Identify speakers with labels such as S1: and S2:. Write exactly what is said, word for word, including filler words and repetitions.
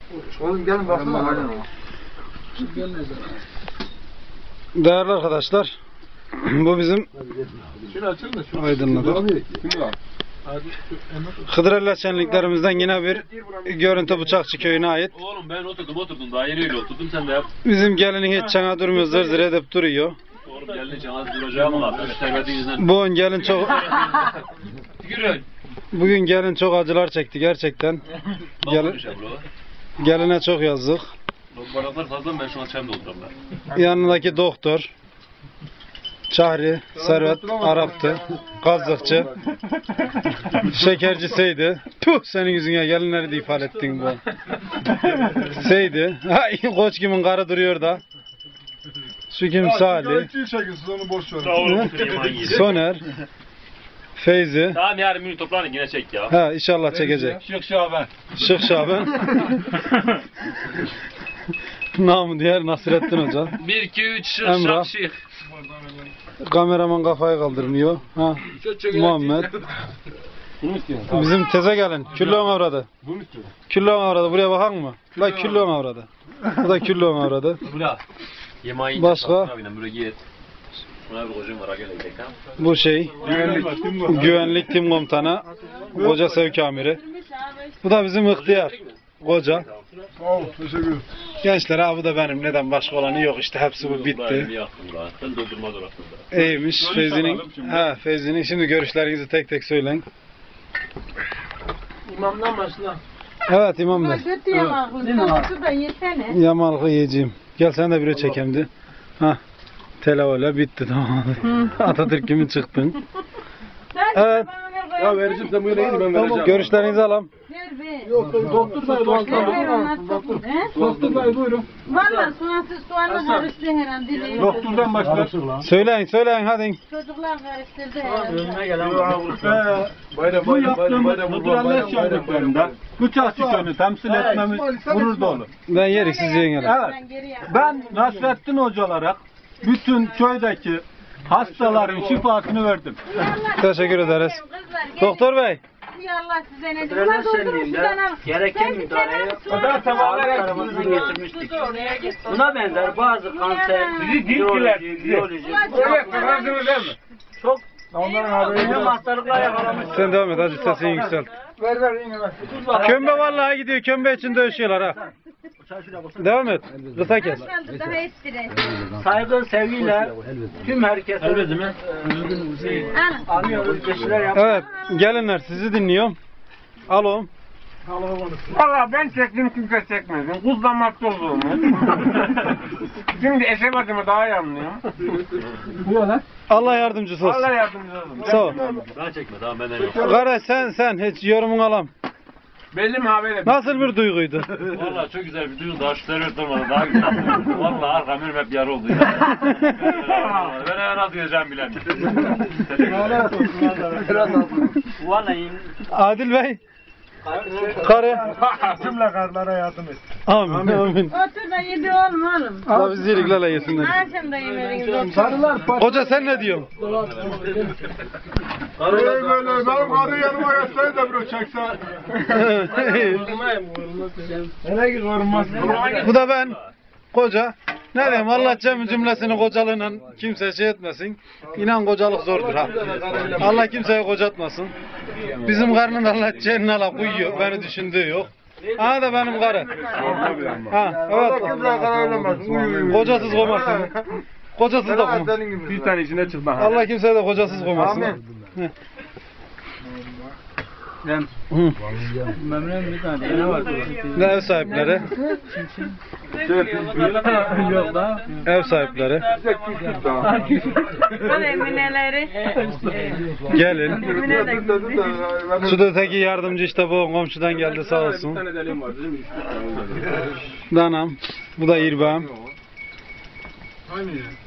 S1: Oğlum gelin baksana.
S2: Değerli arkadaşlar, bu bizim Aydınlı'da Hıdrellez şenliklerimizden yine bir görüntü Bıçakçı köyüne ait.
S3: Oğlum ben oturdum oturdum daha yeni öyle oturdum sen de yap.
S2: Bizim gelinin hiç çana durmuyor, zır zır edip duruyor.
S3: Oğlum gelin çana duracağım lan.
S2: Bugün gelin çok
S3: Tükürün.
S2: Bugün gelin çok acılar çekti gerçekten. Gelin, geline çok yazdık.
S3: Baraklar fazla mı ben şu an çayımda oturam ben.
S2: Yanındaki doktor Çahri, Servet, Arap'tı, Kazıkçı, Şekercisiydi. Puh, senin yüzüne gelinleri de ifade ettin bu. Seydi. Hay, koç kimin karı duruyor da. Şu kim Salih. Soner. Feyzi.
S3: Tamam yarın minut toplanın yine çek ya.
S2: Ha, inşallah çekecek.
S3: Şık Şaban.
S2: Şık Şaban. Namı diğer Nasrettin Hoca.
S3: bir iki üç şık
S2: Emrah.
S3: şık şık.
S2: Kameraman kafayı kaldırmıyor. Ha. Muhammed. Bizim teze gelin. Küllüğün avradı. Küllüğün avradı. Buraya bakan mı? La küllüğün avradı. Bu da küllüğün avradı. Başka? Bu şey. Güvenlik tim komutanı. Koca sevk amiri. Bu da bizim ihtiyar. Koca. Gençler ha bu da benim. Neden başka olanı yok işte. Hepsi bu bitti. İyiymiş. Feyzi'nin. Ha Feyzi'nin. Şimdi görüşlerinizi tek tek söyleyin.
S1: İmamdan başla.
S2: Evet İmam Bey.
S4: Kötü yamaklı. Da yesene.
S2: Yamalıkı yiyeceğim. Gel sen de bir çekeyim de. Ha. Telavole bitti tamam. Atatürk gibi çıktın. Evet.
S1: Ya vereceğim sen bu yere gidin ben vereceğim.
S2: Görüşlerinizi alalım.
S4: Ver be.
S1: Yok doktor dayı
S4: Doktor
S1: doktor dayı buyurun.
S4: Valla soğansız soğanla karıştı herhalde.
S1: Doktordan başlar.
S2: Söyleyin söyleyin hadi.
S4: Çocuklar karıştırdı herhalde.
S1: Bayram
S5: Bu
S1: bayram bayram bayram
S5: yaptığımız Hıdrellez şenliklerinde Bıçakçı köyünü temsil etmemiz gurur dolu.
S2: Ben yerik siz yiyin hele.
S5: Evet. Ben Nasrettin Hoca olarak bütün köydeki hastaların şifasını verdim.
S2: Teşekkür ederiz. Doktor Bey.
S4: Allah size ne diyor? Ulan doldurun şuradan al.
S6: Gereken müdahaleye
S4: O da
S6: tarafından getirmiştik. Buna benzer bazı kanser, biyoloji, biyoloji, çok ölüm hastalıklar yakalamış.
S2: Sen devam et hadi sesini yükselt.
S1: Ver ver yine ver.
S2: Kömbe vallahi gidiyor. Kömbe için dövüşüyorlar ha. Devam et. Kısa kes.
S4: daha ettirin.
S6: Saygı, sevgiyle tüm herkese anlıyoruz, geçiler yapıyoruz.
S2: Evet. Gelinler sizi dinliyorum. Alo.
S7: Valla ben çektim kimse çekmedim. Kuzlamakta olduğumu. Şimdi eşemadımı daha iyi anlıyorum.
S2: Allah yardımcısı olsun.
S7: Allah yardımcı olsun.
S2: Sağ ol.
S3: Ben çekme tamam benden yok.
S2: Kara sen sen hiç yorumunu alam.
S7: Belli mi haberi?
S2: Nasıl bir duyguydu?
S3: Valla çok güzel bir duygu daha şu terör durmadı daha güzel. Valla arkam önüm hep yara oldu ya. Ben eve nasıl gideceğim bilemiyorum.
S6: Vallahi
S2: Adil Bey. Karı.
S5: Cümle karlara yardım et.
S2: Amin. Amin.
S4: Otur da yedi oğlum oğlum.
S2: Allah bizi iyiliklerle yesinler.
S4: Akşam da yemeğiniz otur.
S2: Hoca sen ne diyorsun?
S5: Böyle böyle benim karı yanıma yatsaydı da bro çekse. Hele ki korunmaz.
S2: Bu da ben. Koca. Ne diyeyim Allah cem cümlesini kocalığıyla kimse şey etmesin. İnan kocalık zordur ha. Allah kimseye kocatmasın. Bizim karının Allah cennine ala koyuyor. Beni düşündüğü yok. Ha da benim karı. Ha evet. Kocasız koymasın. Kocasız da koymasın.
S7: Bir tane içine çıkma.
S2: Allah kimseye de kocasız koymasın.
S1: Amin.
S2: Hı.
S6: memnun bir tane ne var?
S2: Ne ev sahipleri?
S6: Yok da.
S2: Ev sahipleri.
S4: Bana emineleri.
S2: Gelin.
S4: Emine de gitti.
S2: Şu da öteki yardımcı işte bu komşudan geldi sağ olsun. Danam. Bu da İrbağım.